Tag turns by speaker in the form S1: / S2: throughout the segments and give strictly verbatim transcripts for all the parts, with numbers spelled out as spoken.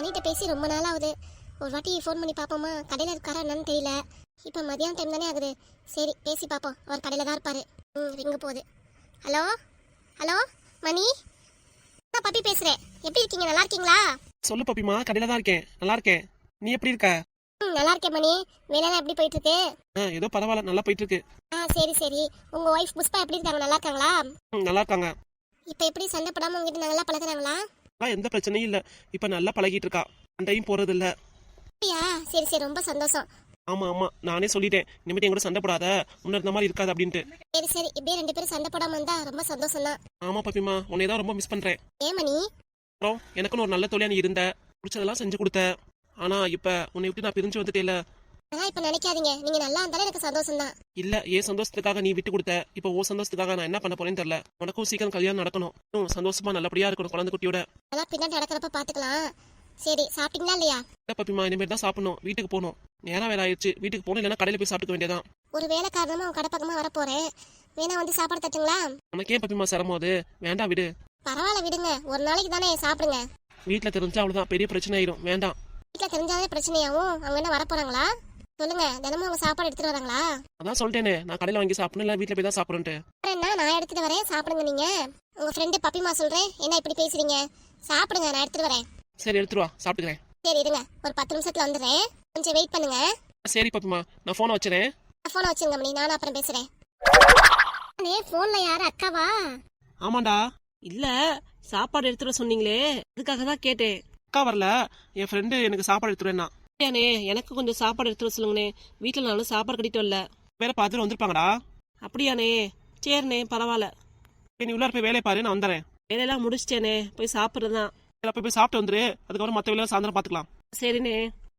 S1: அண்ணிட்ட பேசி ரொம்ப நாள் ஆகுது. ஒரு வாட்டி ஃபோன் பண்ணி பார்ப்போமா, கடையில் இருக்காரா என்னன்னு தெரியல. இப்போ மதியான டைம் தானே ஆகுது. சரி பேசி பார்ப்போம், அவர் கடையில் தான் இருப்பார். ம் ரிங்க போகுது. ஹலோ ஹலோ மணி, நான் பப்பி பேசுகிறேன். எப்படி இருக்கீங்க, நல்லா இருக்கீங்களா?
S2: சொல்லு பப்பிமா, கடையில் தான் இருக்கேன், நல்லா இருக்கேன். நீ எப்படி இருக்க?
S1: ம் நல்லா இருக்கேன் மணி. வேலைலாம் எப்படி போயிட்டு இருக்கு?
S2: ஆ ஏதோ பரவாயில்ல, நல்லா போயிட்டு இருக்கு.
S1: ஆ சரி சரி. உங்கள் ஒய்ஃப் புஷ்பா எப்படி இருக்காங்க, நல்லா இருக்காங்களா?
S2: ம் நல்லா இருக்காங்க.
S1: இப்போ எப்படி சண்டை போடாமல் உங்ககிட்ட நல்லா பழகுறாங்களா?
S2: ஆ எந்த பிரச்சனையும் இல்லை, இப்போ நல்லா பழகிட்டு இருக்கா, சண்டையும் போறது இல்லை.
S1: அப்படியா? சரி சரி, ரொம்ப சந்தோஷம்.
S2: ஆமா ஆமா, நானே சொல்லிட்டேன் இனிமேட்டு என் கூட சண்டை போடாத, முன்ன இருந்த மாதிரி இருக்காது அப்படின்ட்டு.
S1: சரி சரி, இப்படியே ரெண்டு பேரும் சண்டை போடாமல் இருந்தா ரொம்ப சந்தோஷம் தான்.
S2: ஆமா பப்பிமா, உன்னை தான் ரொம்ப மிஸ் பண்றேன்.
S1: ஏன் மணி?
S2: அப்புறம் எனக்குன்னு ஒரு நல்ல தொழிலா நீ இருந்த, பிடிச்சதெல்லாம் செஞ்சு கொடுத்த. ஆனா இப்ப உன்னை விட்டு நான் பிரிஞ்சு வந்துட்டேல.
S1: அதான் இப்ப நினைக்காதீங்க, நீங்க நல்லா இருந்தாலும் எனக்கு சந்தோஷம் தான்.
S2: இல்ல, ஏன் சந்தோஷத்துக்காக நீ விட்டு கொடுத்த, இப்போ ஓ சந்தோஷத்துக்காக நான் என்ன பண்ண போறேன்னு தெரியல. உனக்கும் சீக்கிரம் கல்யாணம் நடக்கணும், இன்னும் சந்தோஷமா நல்லபடியா இருக்கணும் குழந்தை குட்டியோட.
S1: அதான் பின்னாடி நடக்கிறப்ப பாத்துக்கலாம். சரி சாப்பிட்டீங்களா இல்லையா?
S2: இல்ல பப்பிமா, இனிமேல் தான் சாப்பிடணும், வீட்டுக்கு போகணும். நேரம் வேலை ஆயிடுச்சு, வீட்டுக்கு போகணும், இல்லைன்னா கடையில போய் சாப்பிட்டுக்க வேண்டியதான்.
S1: ஒரு வேலை காரணமா உன் கடை பக்கமா வரப்போறேன், வேணா வந்து சாப்பாடு தட்டுங்களா?
S2: உனக்கு ஏன் பப்பிமா சிரமம் அது? வேண்டாம் விடு.
S1: பரவாயில்ல விடுங்க, ஒரு நாளைக்கு தானே, சாப்பிடுங்க.
S2: வீட்டுல தெரிஞ்சா அவ்வளவுதான், பெரிய பிரச்சனை ஆயிரும், வேண்டாம்.
S1: வீட்டுல தெரிஞ்சாலே பிரச்சனையாவும். அவங்க என்ன வரப்போறாங்களா? சொல்லுங்க, தினமும் அவங்க சாப்பாடு எடுத்துட்டு வராங்களா?
S2: அதான் சொல்லிட்டேனே, நான் கடையில வாங்கி சாப்பிடணும், இல்ல வீட்டுல போய் தான் சாப்பிடுறேன்ட்டு.
S1: என்ன, நான் எடுத்துட்டு வரேன், சாப்பிடுங்க. நீங்க உங்க ஃப்ரெண்டு பப்பிமா சொல்றேன், என்ன இப்படி பேசுறீங்க? சாப்பிடுங்க, நான் எடுத்துட்டு வரேன்.
S2: சரி எடுத்துட்டு வா, சாப்பிட்டுக்கிறேன்.
S1: சரி இருங்க, ஒரு பத்து நிமிஷத்துல வந்துடுறேன், கொஞ்சம் வெயிட் பண்ணுங்க.
S2: சரி பப்பிமா, நான் போனை வச்சுறேன்.
S1: போனை வச்சுங்க மணி, நானும் அப்புறம் பேசுறேன். போன்ல யாரு, அக்காவா?
S2: ஆமாண்டா.
S3: இல்ல, சாப்பாடு எடுத்துட சொன்னீங்களே, அதுக்காக தான் கேட்டேன்.
S2: அக்கா வரல, என் ஃப்ரெண்டு எனக்கு சாப்பாடு எடுத்துருவேன்னா.
S3: அப்படியாண்ணே, எனக்கு கொஞ்சம் சாப்பாடு எடுத்துட சொல்லுங்கண்ணே, வீட்டில் நானும் சாப்பாடு கட்டிட்டு வரல.
S2: வேற பார்த்துட்டு வந்திருப்பாங்கடா.
S3: அப்படியாண்ணே, சரிண்ணே, பரவாயில்ல.
S2: நீ உள்ளார போய் வேலையை பாரு, நான் வந்துடுறேன்.
S3: வேலையெல்லாம் முடிச்சிட்டேனே, போய் சாப்பிட்றது தான்.
S2: போய் போய் சாப்பிட்டு வந்துரு, அதுக்கப்புறம் மற்ற வேலையை சாயந்தரம் பார்த்துக்கலாம்.
S3: சரிண்ணே.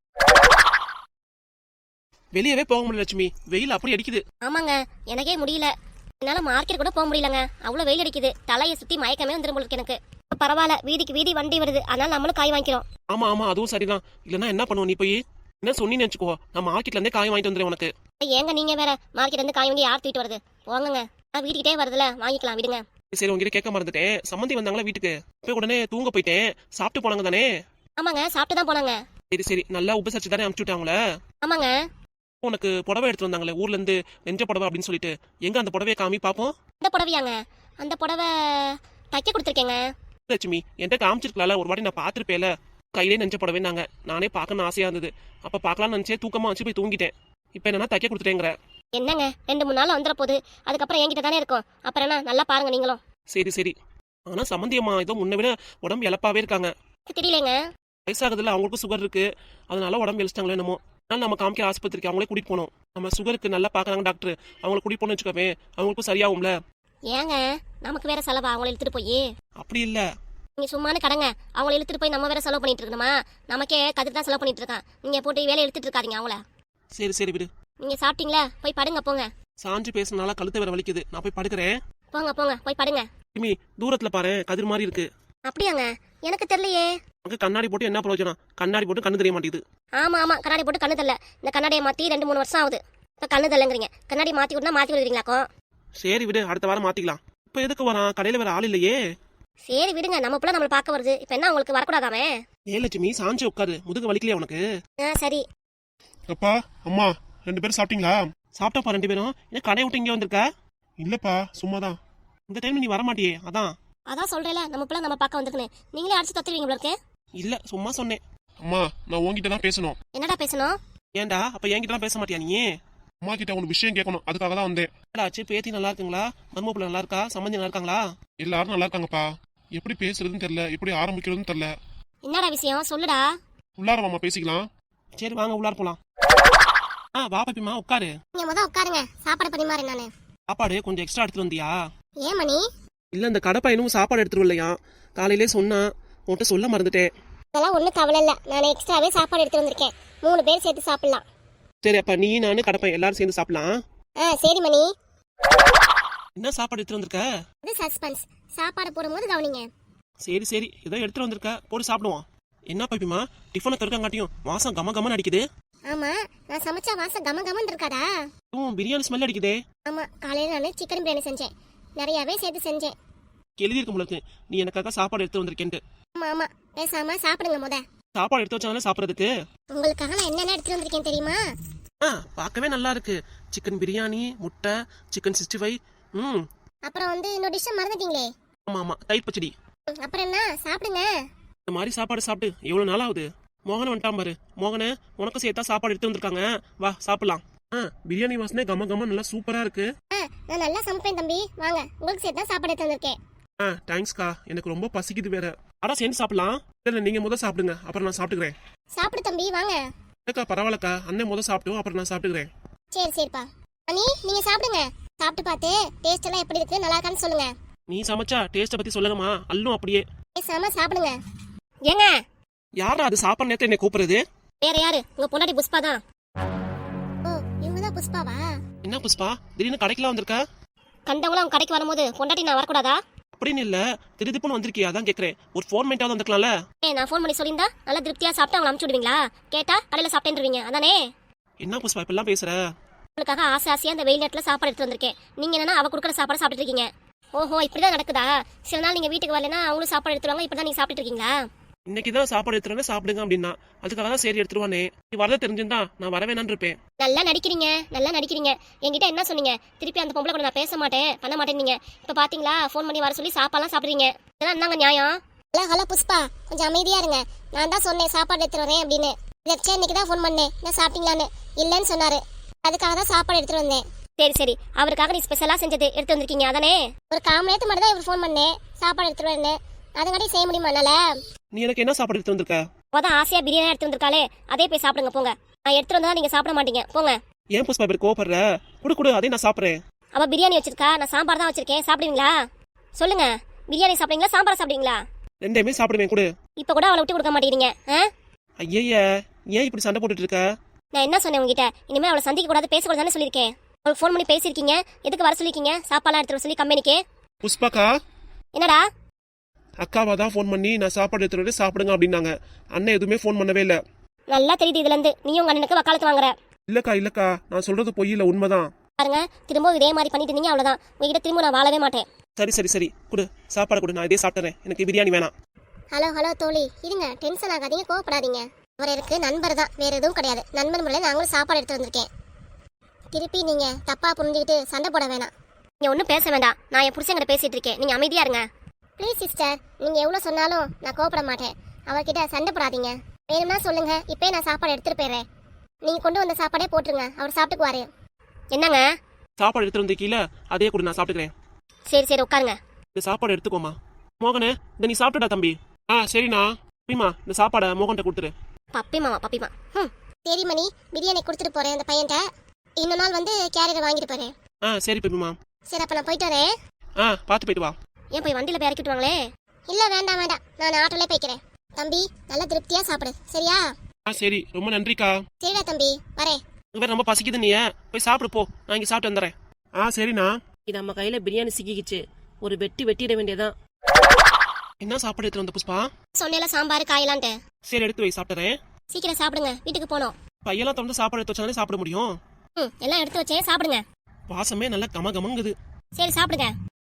S2: வெளியவே போக முடியல லட்சுமி, வெயில் அப்படி அடிக்குது.
S1: ஆமாங்க, எனக்கே முடியல. என்னால மார்க்கெட் கூட போக முடியலங்க, அவ்வளவு வெயில் அடிக்குது. தலையை சுத்தி மயக்கமே வந்துரும் போல இருக்கு எனக்கு. பரவாயில்ல, வீதிக்கு வீதி வண்டி வருது, அதனால நம்மளும் காய் வாங்கிக்கிறோம்.
S2: ஆமா ஆமா, அதுவும் சரிதான். இல்லன்னா என்ன பண்ணுவோம், நீ போய் என்ன சொன்னீன்னு நினைச்சுக்கோ, நான் மார்க்கெட்ல இருந்தே காய் வாங்கிட்டு வந்துடுறேன் உனக்கு.
S1: ஏங்க நீங்க வேற, மார்க்கெட் இருந்து காய் வாங்கி யார் தூக்கிட்டு வருது? போங்கங்க, நான் வீட்டுக்கிட்டே வருதுல, வாங்கிக்கலாம் விடுங்க.
S2: சரி, உங்ககிட்ட கேட்க மறந்துட்டேன், சம்மந்தி வந்தாங்களா வீட்டுக்கு, போய் உடனே தூங்க போயிட்டேன். சாப்பிட்டு போனாங்க தானே?
S1: ஆமாங்க, சாப்பிட்டு தான் போனாங்க.
S2: சரி சரி, நல்லா உபசரிச்சு தானே அனுப்பிச்சு விட்டாங்களே?
S1: ஆமாங்க.
S2: உனக்கு புடவை எடுத்து வந்தாங்களே ஊர்ல இருந்து, நெஞ்ச புடவை அப்படின்னு சொல்லிட்டு, எங்க அந்த புடவையை காமி பாப்போம்.
S1: இந்த புடவையாங்க? அந்த புடவை தைக்க கொடுத்துருக்கேங்க.
S2: லட்சுமி, என்கிட்ட காமிச்சிருக்கலாம்ல, ஒரு வாட்டி நான் பாத்துருப்பேல, கையிலே நெஞ்ச புடவை நாங்க, நானே பார்க்கணும்னு ஆசையா இருந்தது. அப்ப பாக்கலாம்னு நினைச்சே தூக்கமா வச்சு போய் தூங்கிட்டேன். இப்ப என்னன்னா தைக்க கொடுத்துட்டேங்கிற.
S1: என்னங்க, ரெண்டு மூணு நாள் வந்துட போகுது, அதுக்கப்புறம் என்கிட்ட தானே இருக்கும். அப்புறம் என்ன, நல்லா பாருங்க நீங்களும்.
S2: சரி சரி. ஆனா சம்மந்தியம்மா ஏதோ முன்ன விட உடம்பு இழப்பாவே இருக்காங்க.
S1: தெரியலங்க,
S2: வயசாகுதுல, அவங்களுக்கும் சுகர் இருக்கு, அதனால உடம்பு இழிச்சிட்டாங்களோ என்னமோ. அதனால நம்ம காமிக்க ஆஸ்பத்திரிக்கு அவங்களே கூட்டிட்டு போனோம். நம்ம சுகருக்கு நல்லா பாக்குறாங்க டாக்டர், அவங்களை கூட்டிட்டு போனோம்னு வச்சுக்கோவே, அவங்களுக்கும் சரியாகும்ல.
S1: ஏங்க நமக்கு வேற செலவா அவங்களை இழுத்துட்டு போய்?
S2: அப்படி இல்ல,
S1: நீங்க சும்மானு கடங்க, அவங்களை இழுத்துட்டு போய் நம்ம வேற செலவு பண்ணிட்டு இருக்கணுமா? நமக்கே கதிர் தான் செலவு பண்ணிட்டு இருக்கான், நீங்க போட்டு வேலையை இழுத்துட்டு இருக்காதீங்க அவங்கள.
S2: சரி சரி விடு.
S1: நீங்க சாப்பிட்டீங்களா? போய் படுங்க போங்க.
S2: சாஞ்சு பேசுனால கழுத்து வேற வலிக்குது, நான் போய் படுக்கிறேன்.
S1: போங்க போங்க, போய் படுங்க.
S2: இமி, தூரத்துல பாரு, கதிர் மாதிரி இருக்கு.
S1: அப்படியாங்க? எனக்கு தெரியலையே.
S2: அங்க கண்ணாடி போட்டு என்ன பிரயோஜனம், கண்ணாடி போட்டு கண்ணு தெரிய மாட்டேங்குது.
S1: ஆமா ஆமா, கண்ணாடி போட்டு கண்ணு தெரியல. இந்த கண்ணாடியை மாத்தி ரெண்டு மூணு வருஷம் ஆகுது, இப்ப கண்ணு தெரியலங்கிறீங்க. கண்ணாடி மாத்தி விட்டுனா மாத்தி விடுவீங்களாக்கோ?
S2: சரி விடு, அடுத்த வாரம் மாத்திக்கலாம். இப்ப எதுக்கு வரான், கடையில வேற ஆள் இல்லையே.
S1: சரி விடுங்க, நம்ம பிள்ளை நம்மள பார்க்க வருது, இப்ப என்ன உங்களுக்கு வரக்கூடாதாமே?
S2: ஏ லட்சுமி, சாஞ்சு உட்காரு, முதுகு வலிக்கலையா உனக்கு?
S1: ஆ சரி.
S4: அப்பா அம்மா ரெண்டு பேரும் சாப்பிட்டீங்களா?
S2: சாப்பிட்டாப்பா ரெண்டு பேரும். ஏன் கடையை விட்டு இங்கே வந்திருக்க?
S4: இல்லப்பா, சும்மாதான்.
S2: இந்த டைம் நீ வர மாட்டியே, அதான்.
S1: அதான் சொல்றேல, நம்ம பிள்ளை நம்ம பார்க்க வந்திருக்குன்னு. நீங்களே அடிச்சு தத்துவீங்க போல இருக்கு.
S2: இல்ல, சும்மா சொன்னேன்.
S4: அம்மா, நான் உங்ககிட்ட தான் பேசணும்.
S1: என்னடா பேசணும்?
S2: ஏன்டா, அப்ப என்கிட்ட பேச மாட்டியா நீ?
S4: அம்மா கிட்ட ஒரு விஷயம் கேட்கணும், அதுக்காக தான் வந்தேன்.
S2: ஆச்சு, பேத்தி நல்லா இருக்குங்களா? மருமப்புள்ள நல்லா இருக்கா? சம்பந்தி நல்லா இருக்காங்களா?
S4: எல்லாரும் நல்லா இருக்காங்கப்பா. எப்படி பேசுறதுன்னு தெரியல, எப்படி ஆரம்பிக்கிறதுன்னு தெரியல.
S1: என்னடா விஷயம், சொல்லுடா.
S4: உள்ளார மாமா பேசிக்கலாம்.
S2: சரி வாங்க, உள்ளார போலாம். ஆ வா பாப்பிமா, உட்காரு.
S1: நீங்க முத உட்காருங்க, சாப்பாடு பரிமாறேன் நானு.
S2: சாப்பாடு கொஞ்சம் எக்ஸ்ட்ரா எடுத்துட்டு வந்தியா?
S1: ஏன் மணி?
S2: இல்ல, இந்த கடை பையனும் சாப்பாடு எடுத்துட்டு வரலையா, காலையிலே சொன்னா, உன்கிட்ட சொல்ல மறந்துட்டேன்.
S1: அதெல்லாம் ஒன்றும் கவலை இல்லை, நான் எக்ஸ்ட்ராவே சாப்பாடு எடுத்து வந்திருக்கேன், மூணு பேர் சேர்த்து சாப்பிடலாம்.
S2: சரி, அப்ப நீ நானு கடை பையன் எல்லாரும் சேர்ந்து சாப்பிடலாம்.
S1: ஆ சரி மணி.
S2: என்ன சாப்பாடு எடுத்துட்டு வந்திருக்க?
S1: அது சஸ்பென்ஸ், சாப்பாடு போடும்போது கவனிங்க.
S2: சரி சரி, ஏதோ எடுத்துட்டு வந்திருக்க, போட்டு சாப்பிடுவோம். என்ன பாப்பிமா, டிஃபனை திறக்காங்காட்டியும் வாசம் கம கமன்னு அடிக்குது.
S1: ஆமா, நான் சமைச்சா வாசம் கம கமன்னு இருக்காடா?
S2: ம், பிரியாணி ஸ்மெல் அடிக்குதே.
S1: ஆமா, காலையில நான் சிக்கன் பிரியாணி செஞ்சேன், நிறையவே சேர்த்து செஞ்சேன்.
S2: எழுதியிருக்க முழுக்கு நீ எனக்காக சாப்பாடு எடுத்து வந்திருக்கேன்ட்டு.
S1: ஆமா ஆமா, பேசாம சாப்பிடுங்க முத.
S2: சாப்பாடு எடுத்து வச்சாலே சாப்பிட்றதுக்கு.
S1: உங்களுக்காக நான் என்னென்ன எடுத்துட்டு வந்திருக்கேன் தெரியுமா?
S2: ஆ பார்க்கவே நல்லா இருக்கு. சிக்கன் பிரியாணி, முட்டை, சிக்கன் சிக்ஸ்டி ஃபைவ். ம்
S1: அப்புறம் வந்து இன்னொரு டிஷ்ஷை மறந்துட்டீங்களே.
S2: ஆமா ஆமா தயிர் பச்சடி.
S1: ம், அப்புறம் என்ன சாப்பிடுங்க.
S2: இந்த மாதிரி சாப்பாடு சாப்பிட்டு எவ்வளவு நாள் ஆகுது. மோகனை வந்துட்டான் பாரு. மோகனே உனக்கு சேர்த்தா சாப்பாடு எடுத்து வந்திருக்காங்க, வா சாப்பிடலாம். ஆ பிரியாணி வாசனை கம கம நல்லா சூப்பரா இருக்கு.
S1: ஆ, நான் நல்லா சமைப்பேன் தம்பி, வாங்க உங்களுக்கு சேர்த்து தான் சாப்பாடு எடுத்து வந்திருக்கேன்.
S2: ஆ தேங்க்ஸ்க்கா, எனக்கு ரொம்ப பசிக்குது வேற. அடா சேர்ந்து சாப்பிடலாம். இல்லை நீங்க முத சாப்பிடுங்க, அப்புறம் நான் சாப்பிட்டுக்கிறேன்.
S1: சாப்பிடு தம்பி, வாங்க.
S2: இல்லக்கா பரவாயில்லக்கா, அண்ணன் முத சாப்பிட்டோம், அப்புறம் நான் சாப்பிட்டுக்கிறேன்.
S1: சரி சரிப்பா. அனி நீங்க சாப்பிடுங்க. சாப்பிட்டு பார்த்து டேஸ்ட் எல்லாம் எப்படி இருக்கு, நல்லா இருக்கான்னு சொல்லுங்க.
S2: நீ சமைச்சா டேஸ்ட்டை பத்தி சொல்லுங்கம்மா, அல்லும் அப்படியே.
S1: பேசாம சாப்பிடுங்க. ஏங்க
S2: யாரா அது சாப்பாடு நேரத்தை என்னை கூப்பிடுறது?
S1: வேற யாரு? உங்க பொண்டாட்டி புஷ்பா தான். ஓ இவங்க தான் புஷ்பாவா?
S2: என்ன புஷ்பா திடீர்னு கடைக்கெல்லாம் வந்திருக்கா?
S1: கண்டவங்களும் அவங்க கடைக்கு வரும்போது பொண்டாட்டி நான் வரக்கூடாதா?
S2: அப்படின்னு இல்ல, திடீர்னு வந்திருக்கியா அதான் கேக்குறேன். ஒரு ஃபோன் பண்ணிட்டாவது வந்திருக்கலாம்ல.
S1: ஏ நான் ஃபோன் பண்ணி சொல்லியிருந்தா நல்லா திருப்தியா சாப்பிட்டு அவங்க அனுப்பிச்சு விடுவீங்களா? கேட்டா கடையில சாப்பிட்டேன்றீங்க அதானே?
S2: என்ன புஷ்பா இப்பெல்லாம் பேசுற?
S1: உங்களுக்காக ஆசை ஆசையா அந்த வெயில் நேரத்துல சாப்பாடு எடுத்து வந்திருக்கேன். நீங்க என்னன்னா அவ கொடுக்குற சாப்பாடு சாப்பிட்டு இருக்கீங்க. ஓஹோ இப்படிதான் நடக்குதா? சில நாள் நீங்க வீட்டுக்கு வரலன்னா அவங்களும் சாப்பாடு எடுத்துருவாங்க, இப்படிதான் நீங்க சாப்பிட்டு இருக்கீங்களா?
S2: இன்னைக்குதான் சாப்பாடு எடுத்துறேன்னு சாப்பிடுங்க அப்படின்னா அதுக்காக தான் சரி எடுத்துருவானே. நீ வரத தெரிஞ்சிருந்தா நான் வரவேணான்னு இருப்பேன்.
S1: நல்லா நடிக்கிறீங்க, நல்லா நடிக்கிறீங்க. என்கிட்ட என்ன சொன்னீங்க? திருப்பி அந்த பொம்பளை கூட நான் பேச மாட்டேன் பண்ண மாட்டேன். நீங்க இப்ப பாத்தீங்களா ஃபோன் பண்ணி வர சொல்லி சாப்பாடுலாம் சாப்பிடுறீங்க. இதெல்லாம் என்னங்க நியாயம்? ஹலோ ஹலோ புஷ்பா, கொஞ்சம் அமைதியா இருங்க. நான் தான் சொன்னேன் சாப்பாடு எடுத்துட்டு வரேன் அப்படின்னு. இதே இன்னைக்கு தான் ஃபோன் பண்ணேன், நான் சாப்பிட்டீங்களான்னு. இல்லைன்னு சொன்னாரு, அதுக்காக தான் சாப்பாடு எடுத்துட்டு வந்தேன். சரி சரி, அவருக்காக நீ ஸ்பெஷலா செஞ்சது எடுத்து வந்திருக்கீங்க அதானே? ஒரு கால் மணி நேரத்துக்கு மட்டும் தான் இவர் ஃபோன் பண்ணேன் சாப்பாடு எடுத்துட்டு வரேன்னு. அதங்காட்டி செய்ய முடியுமா என்னால?
S2: நீ எனக்கு என்ன சாப்பாடு எடுத்து வந்திருக்க?
S1: அதான் ஆசையா பிரியாணி எடுத்து வந்திருக்காளே, அதே போய் சாப்பிடுங்க போங்க. நான் எடுத்துட்டு வந்தா நீங்க சாப்பிட மாட்டீங்க போங்க.
S2: ஏன் புஷ்பா இப்படி கோவப்படுற? குடு குடு, அதே நான் சாப்பிடுறேன்.
S1: அவ பிரியாணி வச்சிருக்கா, நான் சாம்பார் தான் வச்சிருக்கேன். சாப்பிடுவீங்களா? சொல்லுங்க, பிரியாணி சாப்பிடுவீங்களா சாம்பார் சாப்பிடுவீங்களா?
S2: ரெண்டையுமே சாப்பிடுவேன், குடு.
S1: இப்ப கூட அவளை விட்டு கொடுக்க மாட்டேங்கிறீங்க.
S2: ஐய ஏன் இப்படி சண்டை போட்டுட்டு இருக்க?
S1: நான் என்ன சொன்னேன் உங்ககிட்ட? இனிமே அவளை சந்திக்க கூடாது பேசக்கூடாதுன்னு சொல்லியிருக்கேன். அவளுக்கு ஃபோன் பண்ணி பேசியிருக்கீங்க, எதுக்கு வர சொல்லிருக்கீங்க சாப்பாடுலாம் எடுத்துட்டு வர சொல்லி கம்பெனிக்கு?
S2: புஷ்பாக்கா
S1: என்னடா?
S2: அக்காவா தான் ஃபோன் பண்ணி நான் சாப்பாடு எடுத்துட்டு வந்து சாப்பிடுங்க அப்படின்னாங்க. அண்ணன் எதுவுமே ஃபோன் பண்ணவே இல்லை.
S1: நல்லா தெரியுது இதுல இருந்து நீ உங்க அண்ணனுக்கு வக்காலத்து வாங்குற.
S2: இல்லக்கா இல்லக்கா, நான் சொல்றது பொய் இல்ல, உண்மைதான்.
S1: பாருங்க, திரும்ப இதே மாதிரி பண்ணிட்டு இருந்தீங்க அவ்வளவுதான். உங்ககிட்ட திரும்ப நான் வாழவே மாட்டேன்.
S2: சரி சரி சரி குடு, சாப்பாடு கொடு, நான் இதே சாப்பிட்டுறேன். எனக்கு பிரியாணி வேணாம்.
S1: ஹலோ ஹலோ தோழி, இருங்க, டென்ஷன் ஆகாதீங்க, கோவப்படாதீங்க. அவர் எனக்கு நண்பர் தான், வேற எதுவும் கிடையாது. நண்பர் முறையில் நாங்களும் சாப்பாடு எடுத்து வந்திருக்கேன். திருப்பி நீங்க தப்பா புரிஞ்சுக்கிட்டு சண்டை போட வேணாம். நீங்க ஒன்றும் பேச வேண்டாம், நான் என் புருஷங்கிட்ட பேசிட்டு இருக்கேன், நீங்க அமைதியா இருங்க. ப்ளீஸ் சிஸ்டர், நீங்க எவ்வளவு சொன்னாலும் நான் கோவப்பட மாட்டேன். அவர்கிட்ட சண்டை போடாதீங்க. வேணும்னா சொல்லுங்க, இப்பயே நான் சாப்பாடு எடுத்துட்டு போயிடுறேன். நீங்க கொண்டு வந்த சாப்பாடே போட்டுருங்க, அவர் சாப்பிட்டுக்குவாரு. என்னங்க?
S2: சாப்பாடு எடுத்துட்டு வந்து கீழே அதே கூட நான் சாப்பிட்டுக்கிறேன்.
S1: சரி சரி உட்காருங்க.
S2: இந்த சாப்பாடு எடுத்துக்கோமா. மோகனே இதை நீ சாப்பிட்டுடா தம்பி. ஆ சரிண்ணா. பப்பிமா இந்த சாப்பாடை மோகன்கிட்ட கொடுத்துரு.
S1: பப்பிமாவா? பப்பிமா ம் சரி மணி, பிரியாணி கொடுத்துட்டு போறேன் அந்த பையன்கிட்ட. இன்னொரு நாள் வந்து கேரியரை வாங்கிட்டு போறேன்.
S2: ஆ சரி பப்பிமா.
S1: சரி அப்ப நான் போயிட்டு வரேன்.
S2: ஆ பார்த்து போயிட்டு வா.
S1: ஏன் போய் வண்டியில போய் இறக்கி விட்டுவாங்களே? இல்ல வேண்டாம் வேண்டாம், நான் ஆட்டோலே போய்க்கிறேன். தம்பி நல்லா திருப்தியா சாப்பிடு சரியா?
S2: ஆ சரி, ரொம்ப நன்றிக்கா.
S1: சரிடா தம்பி, வரேன்.
S2: வேற ரொம்ப பசிக்குது, நீ போய் சாப்பிடு போ, நான் இங்கே சாப்பிட்டு வந்துடுறேன். ஆ சரிண்ணா.
S3: இது நம்ம கையில பிரியாணி சிக்கிக்கிச்சு, ஒரு வெட்டி வெட்டிட வேண்டியதான்.
S2: என்ன சாப்பாடு எடுத்துட்டு வந்த புஷ்பா?
S1: சொன்னேல சாம்பார் காயலான்ட்டு.
S2: சரி எடுத்து வை, சாப்பிட்டுறேன்.
S1: சீக்கிரம் சாப்பிடுங்க, வீட்டுக்கு போனோம்.
S2: பையெல்லாம் திறந்து சாப்பாடு எடுத்து வச்சாலே சாப்பிட முடியும்.
S1: ம் எல்லாம் எடுத்து வச்சே சாப்பிடுங்க.
S2: வாசமே நல்லா கம கமங்குது.
S1: சரி சாப்பிடுங்க.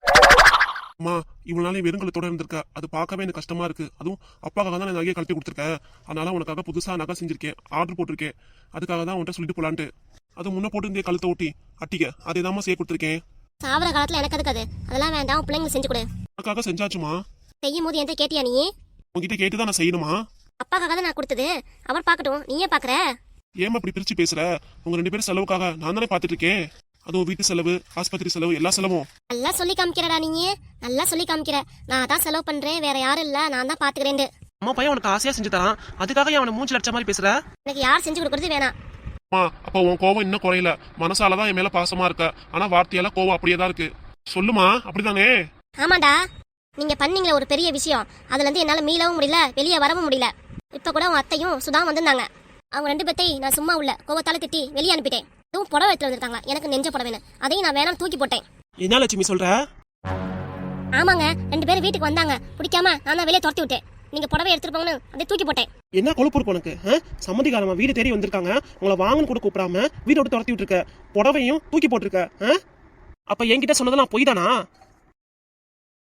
S4: அம்மா இவ்வளவு நாளே வெறுங்கலத்தோட இருந்திருக்க, அது பார்க்கவே எனக்கு கஷ்டமா இருக்கு. அதுவும் அப்பாக்காக தான் நான் நகையை கழட்டி கொடுத்துருக்கேன். அதனால உனக்காக புதுசா நகை செஞ்சிருக்கேன், ஆர்டர் போட்டிருக்கேன். அதுக்காக தான் உன்கிட்ட சொல்லிட்டு போலான்ட்டு. அது முன்ன போட்டு இருந்தே கழுத்தை ஒட்டி அட்டிக்க, அதே தான் செய்ய கொடுத்துருக்கேன்.
S1: சாவர காலத்துல எனக்கு அதுக்கு அது அதெல்லாம் வேண்டாம், பிள்ளைங்களுக்கு செஞ்சு கொடு.
S4: உனக்காக செஞ்சாச்சுமா.
S1: செய்யும் போது என்கிட்ட கேட்டியா நீ?
S4: உங்ககிட்ட கேட்டுதான் நான் செய்யணுமா?
S1: அப்பாக்காக தான் நான் கொடுத்தது, அவர் பார்க்கட்டும், நீயே பாக்குற.
S4: ஏமா அப்படி பிரிச்சு பேசுற? உங்க ரெண்டு பேரும் செலவுக்காக நான் தானே பாத்துட்டு இருக்கேன். அதுவும் வீட்டு செலவு, ஆஸ்பத்திரி செலவு, எல்லா செலவும்
S1: நல்லா சொல்லி காமிக்கிறடா நீ, நல்லா சொல்லி காமிக்கிற. நான் தான் செலவு பண்றேன், வேற யாரும் இல்ல, நான் தான் பாத்துக்கிறேன்.
S2: அம்மா பையன் உனக்கு ஆசையா செஞ்சு தரான், அதுக்காக அவனை மூஞ்சி லட்ச மாதிரி பேசுற?
S1: எனக்கு யார் செஞ்சு கொடுக்கறது வேணாம்.
S4: அம்மா அப்ப உன் கோவம் இன்னும் குறையல. மனசாலதான் என் மேல பாசமா இருக்க, ஆனா வார்த்தையால கோவம் அப்படியே தான் இருக்கு. சொல்லுமா, அப்படிதானே?
S1: ஆமாண்டா, நீங்க பண்ணீங்களே ஒரு பெரிய விஷயம், அதுல இருந்து என்னால மீளவும் முடியல, வெளியே வரவும் முடியல. இப்ப கூட உன் அத்தையும் சுதா வந்திருந்தாங்க. அவங்க ரெண்டு பேர்த்தையும் நான் சும்மா உள்ள கோவத்தால திட்டி வெளியே அனுப்பிட்டேன். இதுவும் புடவை எடுத்து வந்திருக்காங்க, எனக்கு நெஞ்ச புடவைன்னு, அதையும் நான் வேணாம் தூக்கி போட்டேன்.
S2: என்ன லட்சுமி சொல்ற?
S1: ஆமாங்க, ரெண்டு பேரும் வீட்டுக்கு வந்தாங்க, பிடிக்காம நான் தான் வெளியே துரத்தி விட்டேன். நீங்க புடவை எடுத்துட்டு போங்கன்னு அதை தூக்கி போட்டேன்.
S2: என்ன கொழுப்பு இருக்கு உனக்கு? சம்மதிக்காரமா வீடு தேடி வந்திருக்காங்க, உங்களை வாங்கன்னு கூட கூப்பிடாம வீட்டோட துரத்தி விட்டுருக்க, புடவையும் தூக்கி போட்டிருக்க. அப்ப என்கிட்ட சொன்னதெல்லாம் பொய் தானா?